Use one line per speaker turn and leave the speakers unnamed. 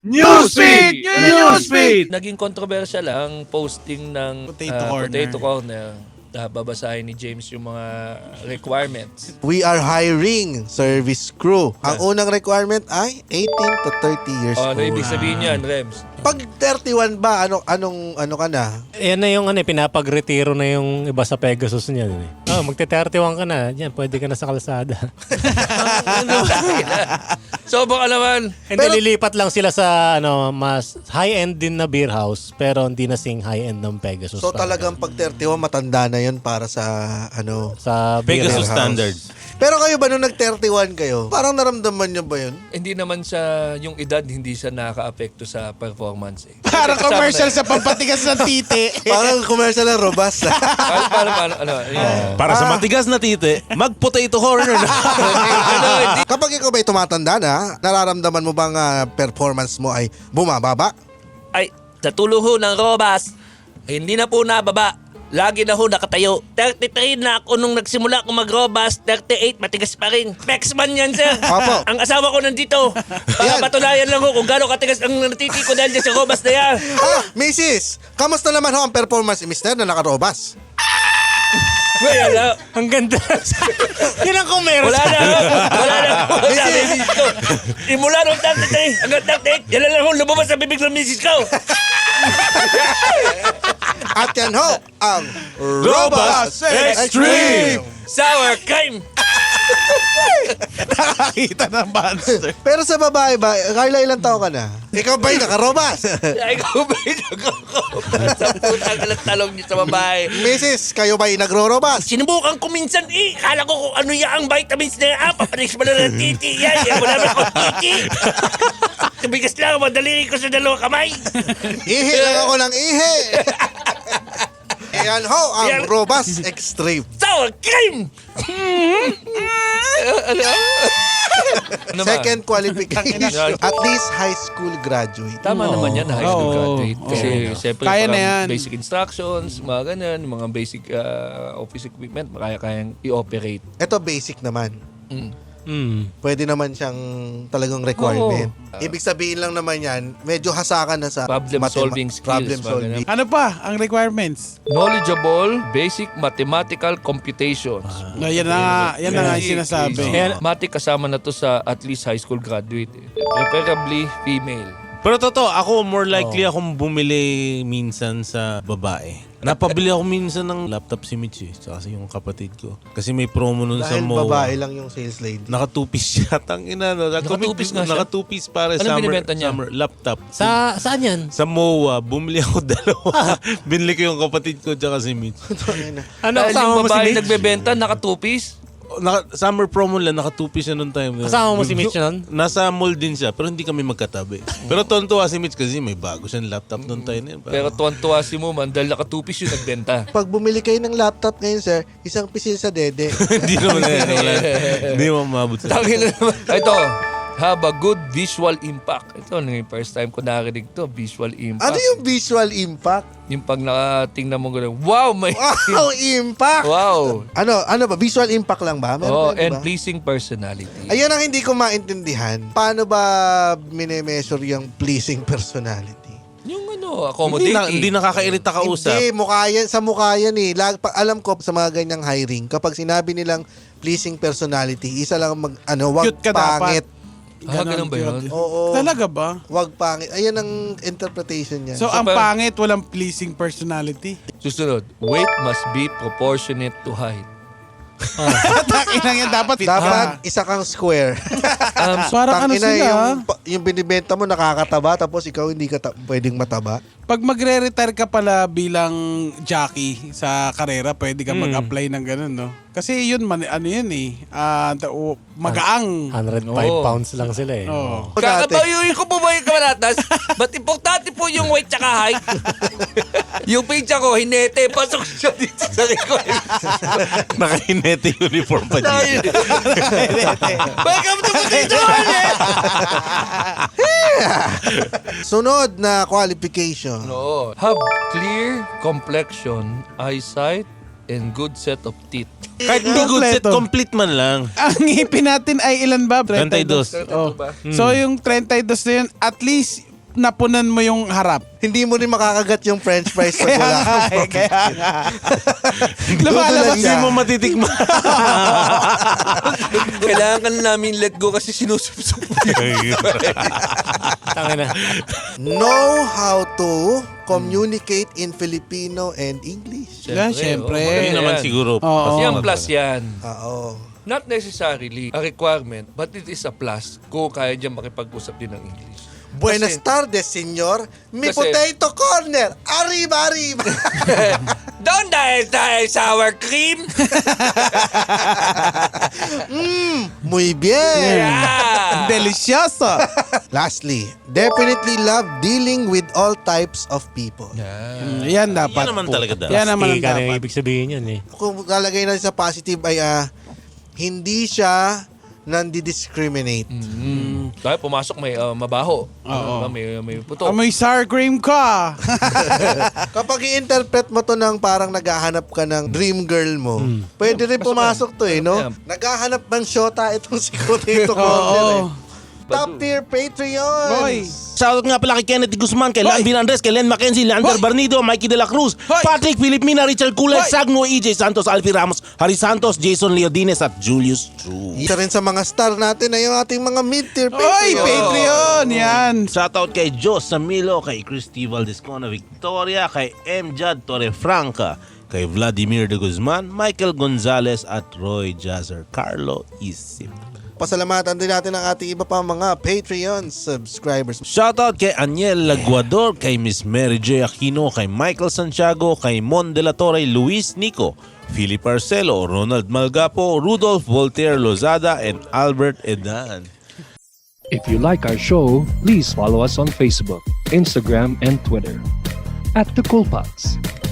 Newsfeed! Newsfeed!
Naging controversial ang posting ng Potato Corner. Babasahin ni James yung mga requirements.
We are hiring service crew. Ang unang requirement ay 18 to 30 years
Ano
old.
ibig sabihin yan, Rems?
Pag 31 ba, ano ka na?
Yan na yung pinapag-retiro na yung iba sa Pegasus niya. Magte-31 ka na. Yan, pwede ka na sa kalsada.
So baka naman,
Hindi, lilipat lang sila sa mas high-end din na beer house, pero hindi na sing high-end ng Pegasus.
So talagang pag 31, matanda na yun para sa
sa beer
Pegasus
house.
standards.
Pero kayo ba nung nag-31 kayo, parang naramdaman nyo ba yun?
hindi naman siya, yung edad, hindi siya nakaka-apekto sa performance. Eh.
Parang commercial sa pampatigas ng titi.
Parang commercial ng robust.
Paano,
Para sa matigas na tite, mag-potato corner na.
Kapag ikaw ba'y tumatanda na, nararamdaman mo bang performance mo ay bumababa?
Ay, sa tulo ho ng Robas, hindi na po nababa. Lagi na ho nakatayo. 33 na ako nung nagsimula ako mag-Robas. 38, matigas pa rin. Pexman yan, sir.
Opo.
Ang asawa ko nandito.
Ayan.
Patunayan lang ho kung gaano katigas ang natiti ko dahil dyan sa Robas na yan.
Mrs. Kamusta naman ho ang performance ni Mr. na nakarobas?
Wala.
Ang ganda. Yan ang commercial.
Wala na. Sabi dito. Imula nung 33 hanggang 38, yan lang ho lumabas sa bibig ng misis ko.
At yan ho, ang
Robust Extreme!
Sour cream.
Nakakita ng monster.
Pero sa babae ba, Carla, ilang taon ka na? Ikaw ba'y nakarobas?
Ay, ikaw ba yung nagkakabas? Sa putang alat talong niyo sa babae.
Mrs. Kayo ba'y nagro-robas?
Sinubukan ko minsan eh. Kala ko kung ano yung vitamins na yan. Papanis mo na ng titi. Yan, wala na akong titi. Tumigas lang, madali ko sa dalawang kamay.
Ihi lang ako ng ihi. Yan ho, ang
Yan.
robust extreme.
Sour cream!
Ano ba?
Second qualification, at least high school graduate.
Tama naman yan, high school
Oo.
graduate. Kasi siyempre
Kaya na
parang
yan.
basic instructions, mga ganun, mga basic office equipment, kayang i-operate.
Ito basic naman. Pwede naman siyang talagang requirement. Ibig sabihin lang naman yan, medyo hasakan na sa
Problem-solving skills,
Problem
mga
solving.
Ano pa ang requirements?
Knowledgeable, basic mathematical computations.
Yan na nga yung sinasabi.
Matik kasama na to sa at least high school graduate. Preferably female.
Pero totoo, ako more likely akong bumili minsan sa babae. Napabili ako minsan ng laptop si Mitch tsaka yung kapatid ko. Kasi may promo nun sa
Dahil
MOA.
babae lang yung sales lady.
Naka 2-piece siya. Tangina, no?
Naka-two-piece nga siya?
Naka 2-piece para
Anong binibenta niya?
summer laptop.
Saan yan?
Sa MOA, bumili ako dalawa. Binili ko yung kapatid ko tsaka si Mitch.
Ano,
Dahil
kasama
yung
mo si
babae
Mitch?
nagbebenta, naka two-piece.
Summer promo lang, naka 2-piece siya noong time.
Kasama mo si Mitch nun?
Nasa mall din siya, pero hindi kami magkatabi. Pero tontuwa si Mitch kasi may bago siyang laptop noong time na yun.
Pero tuwan-tuwa si Muman dahil naka two-piece yung nagbenta.
Pag bumili kayo ng laptop ngayon, sir, isang pisil sa dede.
Hindi naman yan. Hindi mo mabot sa...
Tangin na naman. Ito, have a good visual impact. Ito, yung first time ko narinig to, visual impact.
Ano yung visual impact?
Yung pag nakatingnan mo gano'n, wow, may...
Wow, impact!
Wow.
Ano ba? Visual impact lang ba?
Oh,
ba,
and
ba?
pleasing personality.
Ayun ang hindi ko maintindihan. Paano ba mine-measure yung pleasing personality?
Yung accommodating.
Hindi nakakairita kausap.
Hindi, sa mukha yan eh. Alam ko sa mga ganyang hiring, kapag sinabi nilang pleasing personality, isa lang wag
Cute ka
pangit.
Ganun ba yun?
Oo.
Talaga ba?
Wag pangit. Ayan ang interpretation niya.
So, ang pangit, walang pleasing personality.
Susunod, weight must be proportionate to height.
Takinang yan, dapat fit
dapat isa kang square.
Parang ano
Tangina,
sila,
yung binibenta mo nakakataba tapos ikaw hindi ka pwedeng mataba.
pag magre-retire ka pala bilang jockey sa karera, pwede ka mag-apply ng ganun, no? Kasi yun, magaang.
105
Oo.
pounds lang sila eh.
Oh.
Kakabayuin ko po ba yung kamalatas? Ba't importante po yung weight tsaka height? Yung pizza ko, hinete, pasok siya dito sa likod.
Naka-inete uniform pa dyan.
Welcome to Potato Corner!
Sunod na qualification.
No. Have clear complexion, eyesight, and good set of teeth.
Kahit hindi good set,
Kompleto.
complete man lang.
Ang ngipin natin ay ilan ba?
32.
Oh. So yung 32 na yun, at least napunan mo yung harap.
Hindi mo rin makakagat yung french fries pag wala kang
Kaya nga.
Lumalabas
Hindi mo matitikman.
Kailangan ka na namin let go kasi sinusubsob.
Tangina.
Know how to communicate in Filipino and English.
Yeah, syempre.
Yun naman siguro.
Oo.
Kasi ang plus yan.
Oo.
Not necessarily a requirement, but it is a plus kung kaya dyan makipag-usap din ng English.
Buenas tardes, senyor. Mi
Kasi-
potato corner. Arriba, arriba.
Don't dahil sour cream!
Muy bien.
Yeah!
Delicioso.
Lastly, definitely love dealing with all types of people.
Yan dapat.
Yan naman
po.
talaga dapat.
Yan naman ang
Ika na yung
dapat.
ibig sabihin yan eh.
Kung lalagay natin sa positive ay hindi siya nandi-discriminate.
Dahil pumasok may mabaho.
Oo.
May puto.
Amoy sour cream ka.
Kapag i-interpret mo to ng parang naghahanap ka ng dream girl mo, pwede rin pumasok to no?
Yeah.
Naghahanap ng shota itong si Potato Corner
Oo.
Top tier Patreon.
Boy.
Shoutout nga pala kay Kenneth Guzman, kay Lan Andres, kay Len Mackenzie, Leander
Hoy!
Barnido, Mikey De La Cruz,
Hoy!
Patrick Filipina, Richard Culay,
Hoy!
Sagno, EJ Santos, Alfie Ramos, Harry Santos, Jason Leodines at Julius True.
Isa rin sa mga star natin ay yung ating mga mid-tier
Oy,
Patreon.
Patreon. Yan.
Shoutout kay Jos Samilo, kay Christy Valdescona Victoria, kay M. Jad Torrefranca, kay Vladimir de Guzman, Michael Gonzalez at Roy Jazzer, Carlo Isip.
Pasalamatan din natin ang ating iba pa mga Patreon subscribers.
Shoutout kay Aniel Laguador, kay Miss Mary J. Aquino, kay Michael Santiago, kay Mon de la Torre, Luis Nico, Philip Arcelo, Ronald Malgapo, Rudolph Voltaire Lozada, and Albert Edan.
If you like our show, please follow us on Facebook, Instagram, and Twitter @TheCoolPods.